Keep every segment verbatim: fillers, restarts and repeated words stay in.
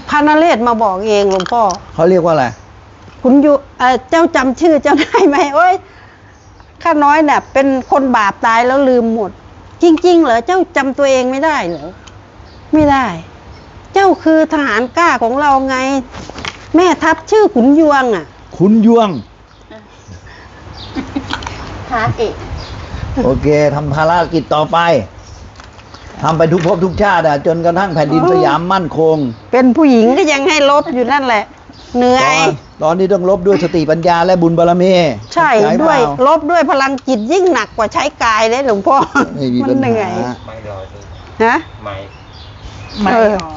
พระนเรศมาบอกเองหลวงพ่อเขาเรียกว่าอะไรคุณอยู่เจ้าจำชื่อเจ้าได้ไหมโอ้ยข้าน้อยเนี่ยเป็นคนบาปตายแล้วลืมหมดจริงๆเหรอเจ้าจำตัวเองไม่ได้เหรอไม่ได้เจ้าคือทหารกล้าของเราไงแม่ทัพชื่อขุนยวงอ่ะขุนยวงฮาเอกโอเคทำภารกิจต่อไปทำไปทุกภพทุกชาติอ่ะจนกระทั่งแผ่นดินสยามมั่นคงเป็นผู้หญิงก็ยังให้ลบอยู่นั่นแหละเหนื่อยตอนนี้ต้องลบด้วยสติปัญญาและบุญบารมีใช่ด้วยลบด้วยพลังจิตยิ่งหนักกว่าใช้กายเลยหลวงพ่อมันเหนื่อยไม่รอฮะไม่ไม่หรอ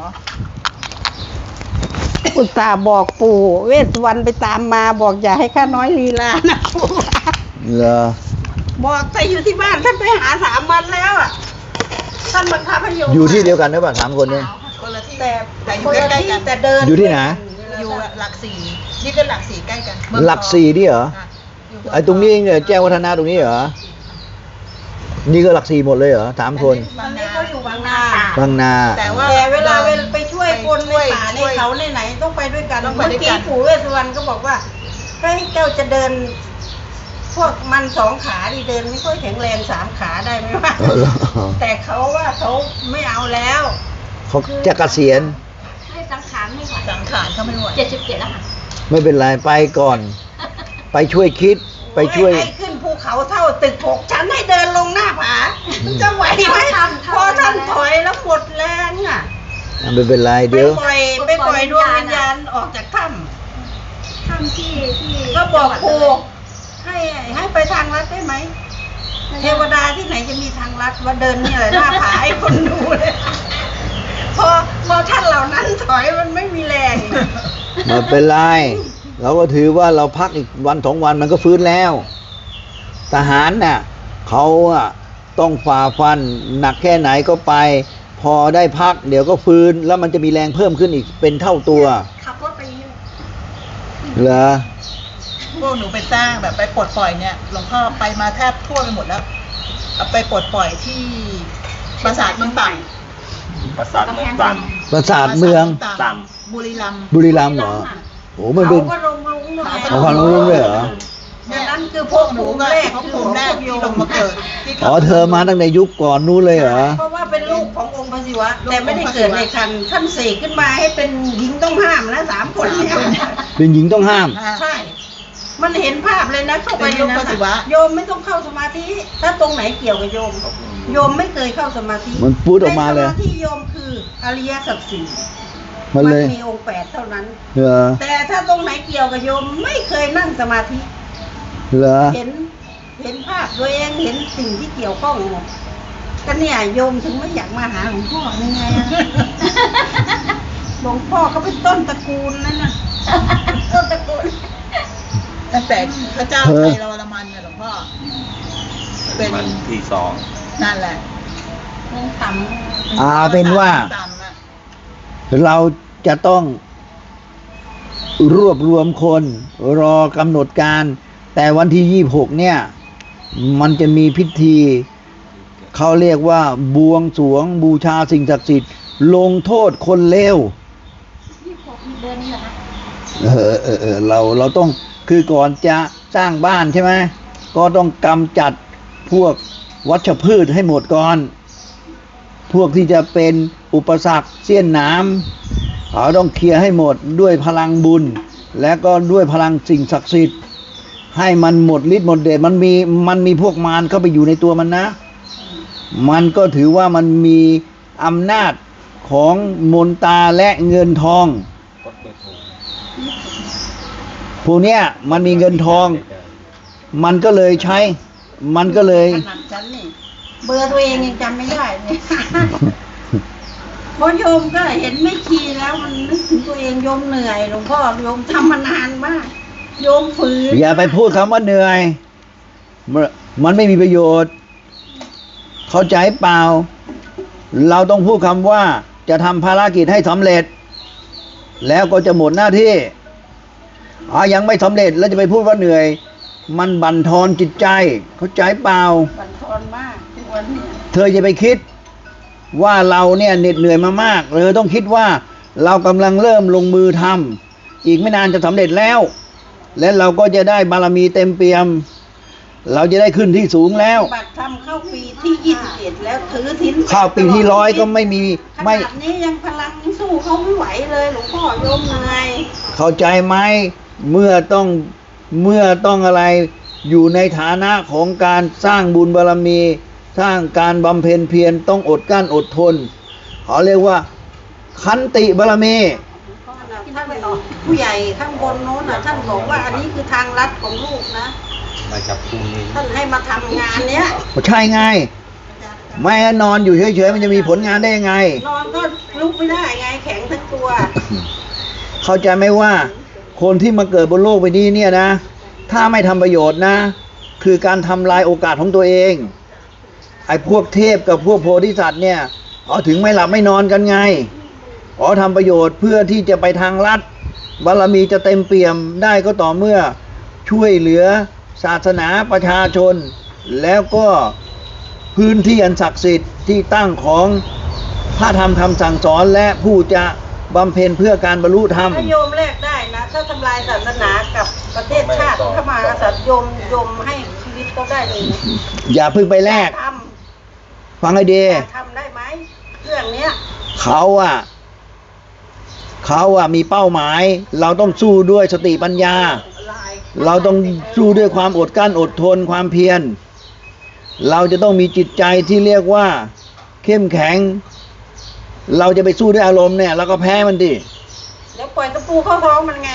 อุตส่าห์บอกปู่เวสสุวรรณไปตามมาบอกอย่าให้ข้าน้อยลีลานะปู่เหรอบอกไปอยู่ที่บ้านท่านไปหาสามวันแล้วอ่ะท่านบังคับให้อยู่อยู่ที่เดียวกันหรือเปล่าสามคนนี้คนละที่แต่แต่อยู่ใกล้ๆกันแต่เดินอยู่ที่ไหนอยู่หลักสี่นี่ก็หลักสี่ใกล้กันหลักสี่นี่เหรอไอ้ตรงนี้เนี่ยแจ้งวัฒนาตรงนี้เหรอนี่ก็หลักสี่หมดเลยเหรอสามคนตอนนี้เขาอยู่บางนาบางนาแต่ว่าเวลาไปช่วยคนในป่าในเขาในไหนต้องไปด้วยกันเมื่อกี้ปู่เวสสุวรรณก็บอกว่าเฮ้ยเจ้าจะเดินพวกมันสองขาดิเดินไม่ค่อยแข็งแรงสามขาได้ไหมวะแต่เขาว่าเขาไม่เอาแล้วเขาจะเกษียณให้สังขารไม่ไหวสังขารเขาไม่ไหวเจ็ดสิบเจ็ดแล้วค่ะไม่เป็นไรไปก่อนไปช่วยคิดไปช่วยให้ขึ้นภูเขาเท่าตึกหกชั้นให้เดินลงหน้าผาจะไหวไหมพอท่านถอยแล้วหมดแรงอ่ะไม่เป็นไรเดี๋ยวไปปล่อยไปปล่อยดวงวิญญาณออกจากถ้ำถ้ำที่ที่ก็บอกครูให้ให้ไปทางลัดได้ไหมเทวดาที่ไหนจะมีทางลัดว่าเดินเนี่ยหน้าผาให้คนดูเลยพอพอท่านเหล่านั้นถอยมันไม่มีแรงไม่เป็นไรเราก็ถือว่าเราพักอีกวันสองวันมันก็ฟื้นแล้วทหารน่ะเขาอ่ะต้องฝ่าฟันหนักแค่ไหนก็ไปพอได้พักเดี๋ยวก็ฟื้นแล้วมันจะมีแรงเพิ่มขึ้นอีกเป็นเท่าตัวขับรถไปเหรอพวกหนูไปสร้างแบบไปปลดปล่อยเนี่ยหลวงพ่อไปมาแทบทั่วไปหมดแล้วเอาไปปลดปล่อยที่ปราสาทเมืองต่ำปราสาทเมืองต่ำปราสาทเมืองต่ำบุรีรัมย์บุรีรัมย์เหรอโอ้มันเป็นเขาก็ลงลุงเลยเขาก็ลงลุงเลยเหรอนั่นคือพวกหนูแรกของผมแรกที่ลงมาเกิดอ๋อเธอมาตั้งแต่ยุคก่อนนู้นเลยเหรอเพราะว่าเป็นลูกขององค์พระศิวะแต่ไม่ได้เกิดในคันท่านเสกขึ้นมาให้เป็นหญิงต้องห้ามนะสามคนเนี่ยเป็นหญิงต้องห้ามใช่มันเห็นภาพเลยนะเข้าไปโยมโยมไม่ต้องเข้าสมาธิถ้าตรงไหนเกี่ยวกับโยมโยมไม่เคยเข้าสมาธิมันพูดออกมาเลยสมาธิโยมคืออริยสัจสี่มันเลยมีองค์แปดเท่านั้นเหรอแต่ถ้าตรงไหนเกี่ยวกับโยมไม่เคยนั่งสมาธิเหรอเห็นเห็นภาพตัวเองเห็นสิ่งที่เกี่ยวข้องหมดก็เนี่ยโยมถึงไม่อยากมาหาหลวงพ่อยังไงอะหลวงพ่อเขาเป็นต้นตระกูลนั่นน่ะต้นตระกูลตั้งแต่พระเจ้าไทยเราละมันเนี่ยหลวงพ่อเป็นที่สองนั่นแหละต่ำอ่าเป็นว่าเราจะต้องรวบรวมคนรอกำหนดการแต่วันที่ยี่สิบหกเนี่ยมันจะมีพิธีเขาเรียกว่าบวงสรวงบูชาสิ่งศักดิ์สิทธิ์ลงโทษคนเลวยี่สิบหกเดือนนี้เหรอคะเออเออเออเราเราต้องคือก่อนจะสร้างบ้านใช่ไหมก็ต้องกำจัดพวกวัชพืชให้หมดก่อนพวกที่จะเป็นอุปสรรคเสี้ยนน้ำเขาต้องเคลียร์ให้หมดด้วยพลังบุญและก็ด้วยพลังสิ่งศักดิ์สิทธิ์ให้มันหมดฤทธิ์หมดเดชมันมีมันมีพวกมารเข้าไปอยู่ในตัวมันนะมันก็ถือว่ามันมีอำนาจของมนตาและเงินทองพวกเนี้ยมันมีเงินทองมันก็เลยใช้มันก็เลยเบอร์ตัวเองยังจำไม่ได้เลยเพราะโยมก็เห็นไม่ชีแล้วมันนึกถึงตัวเองโยมเหนื่อยหลวงพ่อโยมทำมานานมากโยมฝืนอย่าไปพูดคำว่าเหนื่อยมันไม่มีประโยชน์เข้าใจเปล่าเราต้องพูดคำว่าจะทำภารกิจให้สำเร็จแล้วก็จะหมดหน้าที่อ๋อยังไม่สำเร็จแล้วจะไปพูดว่าเหนื่อยมันบั่นทอนจิตใจเข้าใจเปล่าบั่นทอนมากทุกวันนี้เธอจะไปคิดว่าเราเนี่ยเหน็ดเหนื่อยมามากเธอต้องคิดว่าเรากำลังเริ่มลงมือทำอีกไม่นานจะสำเร็จแล้ว และเราก็จะได้บารมีเต็มเปี่ยม เราจะได้ขึ้นที่สูงแล้วบัตรทำเข้าปีที่ยี่สิบเอ็ดแล้วถือทิ้นเข้าปีที่ร้อยก็ไม่มีขไม่นาดนี้ยังพลังสู้เขาไม่ไหวเลยหลวงพ่อโยมเหนื่อยเข้าใจไหมเมื่อต้องเมื่อต้องอะไรอยู่ในฐานะของการสร้างบุญบารมี สร้างการบำเพ็ญเพียรต้องอดกลั้นอดทนเขาเรียกว่าขันติบารมีท่านผู้ใหญ่ข้างบนโน้นน่ะท่านบอกว่าอันนี้คือทางลัดของลูกนะมาจากพรุ่งนี้ท่านให้มาทำงานเนี้ยใช่ไงไม่งั้นนอนอยู่เฉยๆมันจะมีผลงานได้ยังไงนอนก็ลุกไม่ได้ไงแข็งทั้งตัวเข้าใจไหมว่า คนที่มาเกิดบนโลกใบนี้เนี่ยนะ ถ้าไม่ทำประโยชน์นะ คือการทำลายโอกาสของตัวเองไอ้พวกเทพกับพวกโพธิสัตว์เนี่ยเอาถึงไม่หลับไม่นอนกันไงอ๋อทำประโยชน์เพื่อที่จะไปทางลัดบารมีจะเต็มเปี่ยมได้ก็ต่อเมื่อช่วยเหลือศาสนาประชาชน แล้วก็พื้นที่อันศักดิ์สิทธิ์ที่ตั้งของพระธรรมคำสั่งสอนและผู้จะบำเพ็ญเพื่อการบรรลุธรรมถ้าโยมแลกได้นะ ถ้าทำลายศาสนากับประเทศชาติพระมหากษัตริย์โยมโยมให้ชีวิตเขาได้เลยนะอย่าเพิ่งไปแลกทฟังให้ดีำทำได้ไหมเรื่องเนี้ยเขาอะเขาอะมีเป้าหมาย เราต้องสู้ด้วยสติปัญญา เราต้องสู้ด้วยความอดกลั้นอดทนความเพียร เราจะต้องมีจิตใจที่เรียกว่า เข้มแข็ง เราจะไปสู้ด้วยอารมณ์เนี่ยเราก็แพ้มันดิเดี๋ยวปล่อยกระปูเข้าท้องมันไง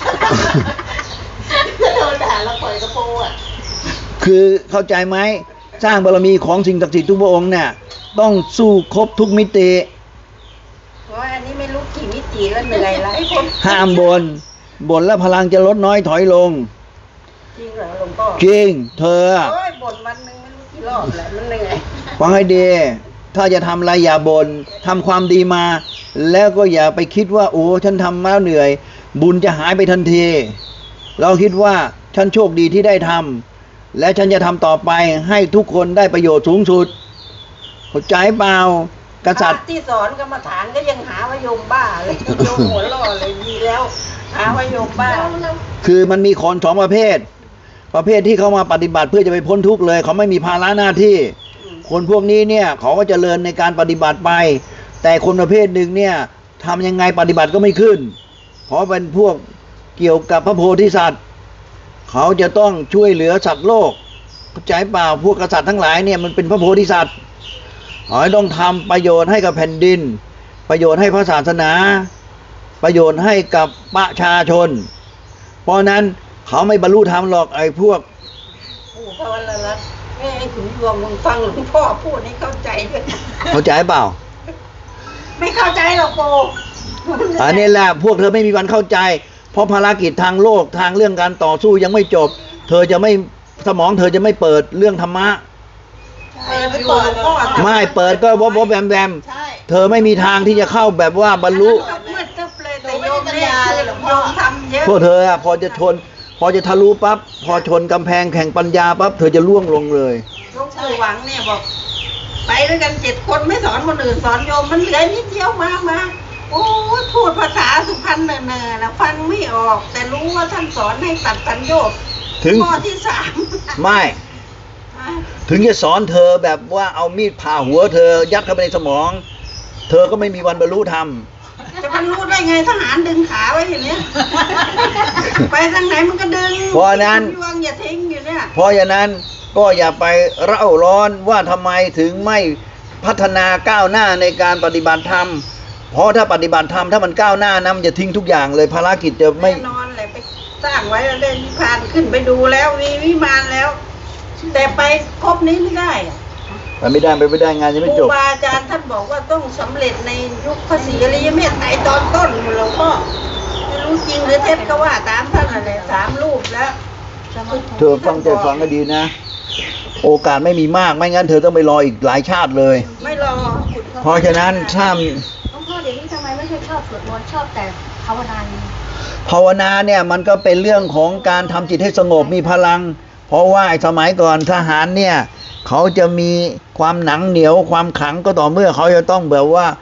โดนด่าแล้วปล่อยกระปูอ่ะคือเข้าใจไหมสร้างบารมีของสิ่งศักดิ์สิทธิ์ทุกพระองค์เนี่ยต้องสู้ครบทุกมิติเพราะอันนี้ไม่รู้กี่มิติแล้วเหนื่อยแล้วไอ้คนห้ามบนบ่นแล้วพลังจะลดน้อยถอยลงจริงเหรอหลวงพ่อจริง เธอโอ้ยบ่นวันหนึงไม่รู้กี่รอบแล้วมันเหนื่อยฟังให้ดี ถ้าจะทำอะไรอย่าบน่นทำความดีมา แล้วก็อย่าไปคิดว่าโอ้ฉันทำมาแล้วเหนื่อย บุญจะหายไปทันที เราคิดว่าฉันโชคดีที่ได้ทำและฉันจะทำต่อไปให้ทุกคนได้ประโยชน์สูงสุดเข้าใจเปล่ากษัตริย์พะที่สอนกรรมฐานก็ยังหาว่าโยมบ้าเลยโยมหัวล่อเลยดีแล้ว หาว่าโยมบ้าคือมันมีคนสองประเภท ประเภทที่เขามาปฏิบัติเพื่อจะไปพ้นทุกข์เลย เขาไม่มีภาระหน้าที่ คนพวกนี้เนี่ยเขาก็จเจริญในการปฏิบัติไป แต่คนประเภทหนึ่งเนี่ยทำยังไงปฏิบัติก็ไม่ขึ้น เพราะเป็นพวกเกี่ยวกับพระโพธิสัตว์ เขาจะต้องช่วยเหลือสัตว์โลกเข้าใจเปล่าพวกกษัตริย์ทั้งหลายเนี่ยมันเป็นพระโพธิสัตว์เขาต้องทำประโยชน์ให้กับแผ่นดิน ประโยชน์ให้พระศาสนา ประโยชน์ให้กับประชาชน เพราะนั้นเขาไม่บรรลุธรรมหรอกไอ้พวกปู่พระวรรัตน์แม่ไอ้ขุนยวงมึงฟังหลวงพ่อพูดให้เข้าใจด้วยเข้าใจเปล่าไม่เข้าใจหรอกปู่อันนี้แหละพวกเธอไม่มีวันเข้าใจ เพราะภารกิจทางโลกทางเรื่องการต่อสู้ยังไม่จบ เธอจะไม่สมองเธอจะไม่เปิดเรื่องธรรมะเออไปเปิดพ่อไม่เปิดก็วบวบแวมแวมใช่เธอไม่มีทางที่จะเข้าแบบว่าบรรลุก็มืดตึ๊บเลยแต่โยมเนี่ยโยมทำเยอะพวกเธออะพอจะชน พอจะทะลุปั๊บพอชนกำแพงแข่งปัญญาปั๊บเธอจะล่วงลงเลยหลวงปู่หวังเนี่ยบอก ไปด้วยกันเจ็ดคนไม่สอนคนอื่นสอนโยมมันเหลือนิดเดียวมามาโอ้ยพูดภาษาสุพรรณเนอๆนะฟังไม่ออก แต่รู้ว่าท่านสอนให้ตัดสัญโยชน์ถึงข้อที่สามไม่ ถึงจะสอนเธอแบบว่าเอามีดผ่าหัวเธอยัดเข้าไปในสมอง เธอก็ไม่มีวันบรรลุธรรมจะมันรู้ได้ไงทหารดึงขาไว้อย่างเนี้ย ไปทางไหนมันก็ดึงเพราะฉะนั้นยวงอย่าทิ้งอยู่เนี่ยเพราะฉะนั้นก็อย่าไปเร่าร้อนว่าทำไมถึงไม่พัฒนาก้าวหน้าในการปฏิบัติธรรม เพราะถ้าปฏิบัติธรรมถ้ามันก้าวหน้านะมันจะทิ้งทุกอย่างเลยภารกิจจะไม่แน่นอนเลยไปสร้างไว้แล้วได้นิพพานขึ้นไปดูแล้วมีวิมานแล้ว แต่ไปครบนี้ไม่ได้อะไปไม่ได้ไปไม่ได้งานยังไม่คจรูบบาอาจารย์ท่านบอกว่าต้องสำเร็จในยุคพระศรีอริยเมตไตรตอนต้นหลวงพ่อไม่รู้จริงหรือเท็จก็ว่าตามท่านอะไรสามรูปแล้วเธอฟังใจฟังก็ดีนะ โอกาสไม่มีมากไม่งั้นเธอต้องไปรออีกหลายชาติเลยไม่รอเพราะฉะนั้นถ้าหลวงพ่อเดี๋ยวนี้ทำไมไม่ค่อยชอบสวดมนต์ชอบแต่ภาวนาอย่างเดียวภาวนาเนี่ยมันก็เป็นเรื่องของการทำจิตให้สงบมีพลัง เพราะว่าไอ้สมัยก่อนทหารเนี่ยเขาจะมีความหนังเหนียวความขลังก็ต่อเมื่อเขาจะต้องแบบว่า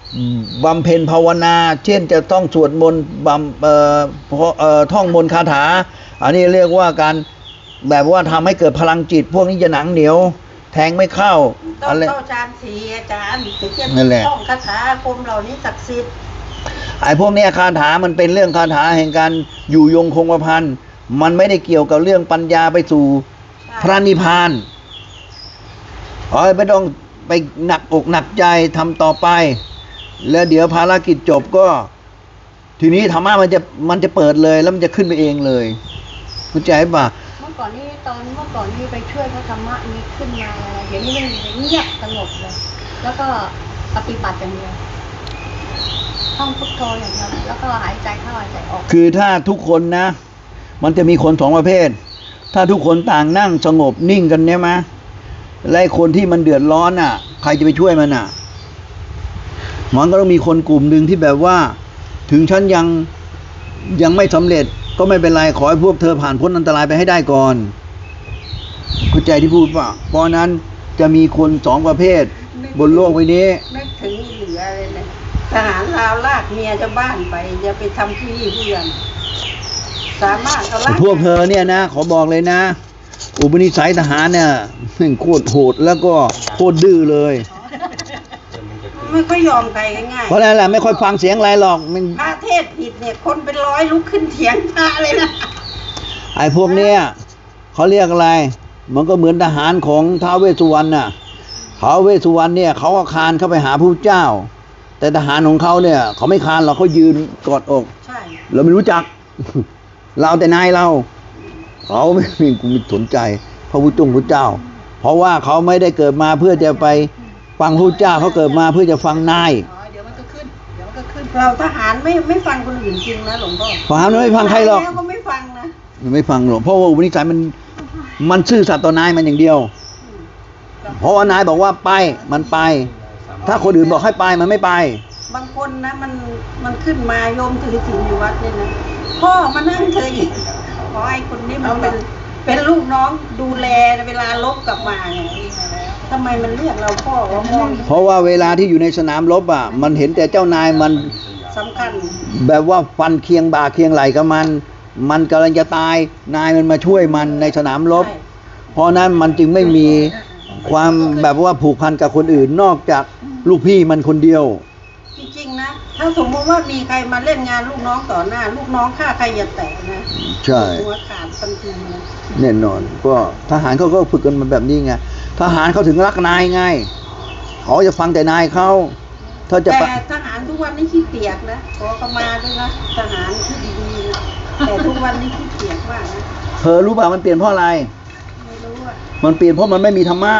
บำเพ็ญภาวนา เช่นจะต้องสวดมนต์บำเอ่อพอเอ่อท่องมนต์คาถา อันนี้เรียกว่าการแบบว่าทำให้เกิดพลังจิต พวกนี้จะหนังเหนียว แทงไม่เข้าต้ออะงไรเข้าฌานสีอาจารย์ถึงจะนั่นแหละท่องคาถาอาคมเหล่านี้ศักดิ์สิทธิ์ไอ้พวกเนี้ยคาถามันเป็นเรื่องคาถาแห่งการอยู่ยงคงกระพันมันไม่ได้เกี่ยวกับเรื่องปัญญาไปสู่พระนิพพานขอให้ไม่ต้องไปหนักอกหนักใจทำต่อไป แล้วเดี๋ยวภารกิจจบก็ ทีนี้ธรรมะมันจะมันจะเปิดเลยแล้วมันจะขึ้นไปเองเลยเข้าใจป่ะเมื่อก่อนนี่ตอนเมื่อก่อนนี่ไปช่วยพระธรรมะนี้ขึ้นมาอะไรเดี๋ยวนี้มันเงียบสงบเลย แล้วก็ปฏิบัติอย่างเดียวท่องพุทโธอย่างเดียวแล้วก็หายใจเข้าหายใจออกคือถ้าทุกคนนะ มันจะมีคนสองประเภท ถ้าทุกคนต่างนั่งสงบนิ่งกันเนี่ยมะและไอ้คนที่มันเดือดร้อนอ่ะ ใครจะไปช่วยมันอ่ะ มันก็ต้องมีคนกลุ่มหนึ่งที่แบบว่า ถึงฉันยังยังไม่สำเร็จก็ไม่เป็นไรขอให้พวกเธอผ่านพ้นอันตรายไปให้ได้ก่อนเข้าใจที่พูดป่ะเพราะนั้นจะมีคนสองประเภท บนโลกใบนี้นึกถึงเหลือเลยนะทหารลาวลากเมียชาวบ้านไปอย่าไปทำที่นี่ผู้ยันสามารถเอาลากพวกเธอเนี่ยนะขอบอกเลยนะ อุปนิสัยทหารเนี่ยแม่งโคตรโหดแล้วก็โคตรดื้อเลยไม่ค่อยยอมใครง่ายเพราะนั่นแหละไม่ค่อยฟังเสียงอะไรหรอกมันๆพระเทศผิดเนี่ยคนเป็นร้อยลุกขึ้นเถียงพระเลยนะไอ้พวกเนี้ยเขาเรียกอะไร มันก็เหมือนทหารของท้าวเวสสุวรรณน่ะท้าวเวสสุวรรณเนี่ยเขาก็คานเข้าไปหาพระเจ้า แต่ทหารของเขาเนี่ยเขาไม่คานหรอกเขายืนกอดอกใช่เราไม่รู้จัก เราแต่นายเราเขาไม่มีกูไม่สนใจพระพุทธจงพระเจ้า เพราะว่าเขาไม่ได้เกิดมาเพื่อจะไปฟังพระเจ้าเขาเกิดมาเพื่อจะฟังนายอ๋อเดี๋ยวมันก็ขึ้นเดี๋ยวมันก็ขึ้นเราทหารไม่ไม่ฟังคนอื่นจริงนะหลวงพ่อฟังไม่ฟังใครหรอกแล้วก็ไม่ฟังนะมันไม่ฟังหรอกเพราะว่าอุปนิสัยมันมันซื่อสัตย์ต่อนายมันอย่างเดียว เพราะว่านายบอกว่าไปมันไป ถ้าคนอื่นบอกให้ไปมันไม่ไปบางคนนะมันมันขึ้นมาโยมถือศีลอยู่วัดเนี่ยนะพ่อมานั่งเธออีกเพราะไอ้คนนี้มันเป็นเป็นลูกน้องดูแลเวลาลบกลับมาเนี่ยทำไมมันเรียกเราพ่อว่ามองเพราะว่าเวลาที่อยู่ในสนามรบอ่ะมันเห็นแต่เจ้านายมันสำคัญแบบว่าฟันเคียงบ่าเคียงไหล่กับมัน มันกำลังจะตายนายมันมาช่วยมันในสนามรบใช่เพราะนั้นมันจึงไม่มีความแบบว่าผูกพันกับคนอื่น นอกจากลูกพี่มันคนเดียวจริงๆนะ ถ้าสมมติว่ามีใครมาเล่นงานลูกน้องต่อหน้า ลูกน้องฆ่าใครอย่าแตะนะใช่หัวขาดทันทีนะแน่นอนก็ทหารเขาก็ฝึกกันมาแบบนี้ไงทหารเขาถึงรักนายไงเขาจะฟังแต่นายเขาถ้าจะแต่ปะทหารทุกวันนี้ขี้เกียจนะขอเข้ามาด้วยนะทหารที่ดีๆนะแต่ทุกวันนี้ขี้เกียจมากนะเธอรู้ป่ะมันเปลี่ยนเพราะอะไรไม่รู้อ่ะมันเปลี่ยนเพราะมันไม่มีธรรมะ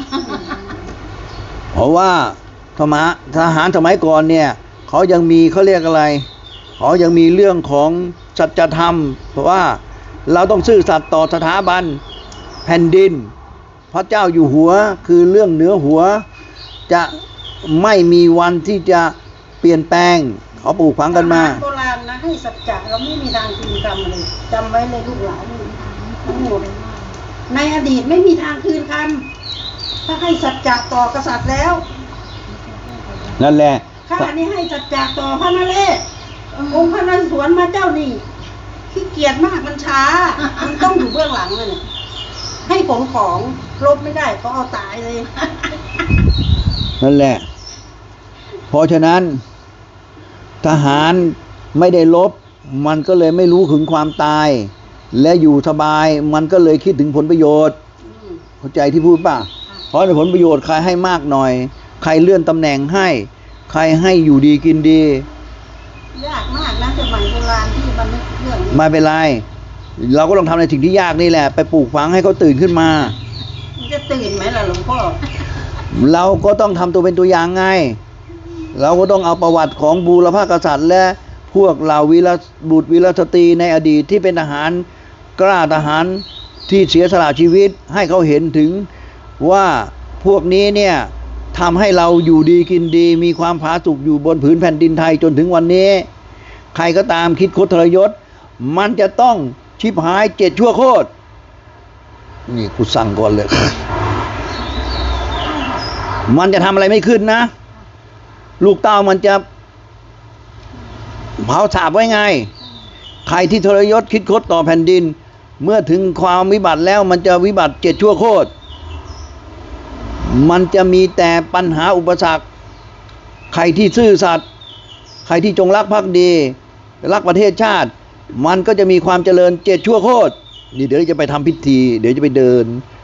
เพราะว่าธรรมะทหารสมัยก่อนเนี่ยเขายังมีเขาเรียกอะไรเขายังมีเรื่องของสัจธรรม เพราะว่าเราต้องซื่อสัตย์ต่อสถาบันแผ่นดิน พระเจ้าอยู่หัวคือเรื่องเหนือหัว จะไม่มีวันที่จะเปลี่ยนแปลงเขาปลูกฝังกันมาทหรโบราณนะให้สัจจะเราไม่มีทางคืนคำเลยจำไว้เลยลูกหลานทั้งหมดในอดีตไม่มีทางคืนคำถ้าให้สัจจะต่อกษัตริย์แล้วนั่นแหละข้านี่ให้สัจจะต่อพระนเรศองค์พระนเรศวรมาเจ้านี่ขี้เกียจมากมันช้ามันต้องอยู่เบื้องหลังเลยเนี่ยให้ของของลบไม่ได้ก็เอาตายเลยนั่นแหละ เพราะฉะนั้นทหารไม่ได้ลบมันก็เลยไม่รู้ถึงความตาย และอยู่สบายมันก็เลยคิดถึงผลประโยชน์เข้าใจที่พูดป่ะเพราะในผลประโยชน์ใครให้มากหน่อยใครเลื่อนตำแหน่งให้ใครให้อยู่ดีกินดียากมากนะสมัยโบราณที่มันนึกเรื่องนี้ไม่เป็นไรเราก็ต้องทำในสิ่งที่ยากนี่แหละ ไปปลูกฝังให้เขาตื่นขึ้นมามันจะตื่นไหมล่ะหลวงพ่อเราก็ต้องทำตัวเป็นตัวอย่างไง เราก็ต้องเอาประวัติของบูรพกษัตริย์ และพวกเหล่าวีรบุตรวีรสตรีในอดีตที่เป็นทหารกล้าทหารที่เสียสละชีวิตให้เขาเห็นถึงว่าพวกนี้เนี่ยทำให้เราอยู่ดีกินดี มีความผาสุกอยู่บนผืนแผ่นดินไทยจนถึงวันนี้ ใครก็ตามคิดคดทรยศมันจะต้องชิบหายเจ็ดชั่วโคตรนี่กูสั่งก่อนเลย มันจะทำอะไรไม่ขึ้นนะลูกเต้ามันจะเผาสาบไว้ไง ใครที่ทรยศคิดคดต่อแผ่นดิน เมื่อถึงความวิบัติแล้วมันจะวิบัติเจ็ดชั่วโคตร มันจะมีแต่ปัญหาอุปสรรค ใครที่ซื่อสัตย์ใครที่จงรักภักดี รักประเทศชาติ มันก็จะมีความเจริญเจ็ดชั่วโคตร นี่เดี๋ยวจะไปทำพิธี เดี๋ยวจะไปเดิน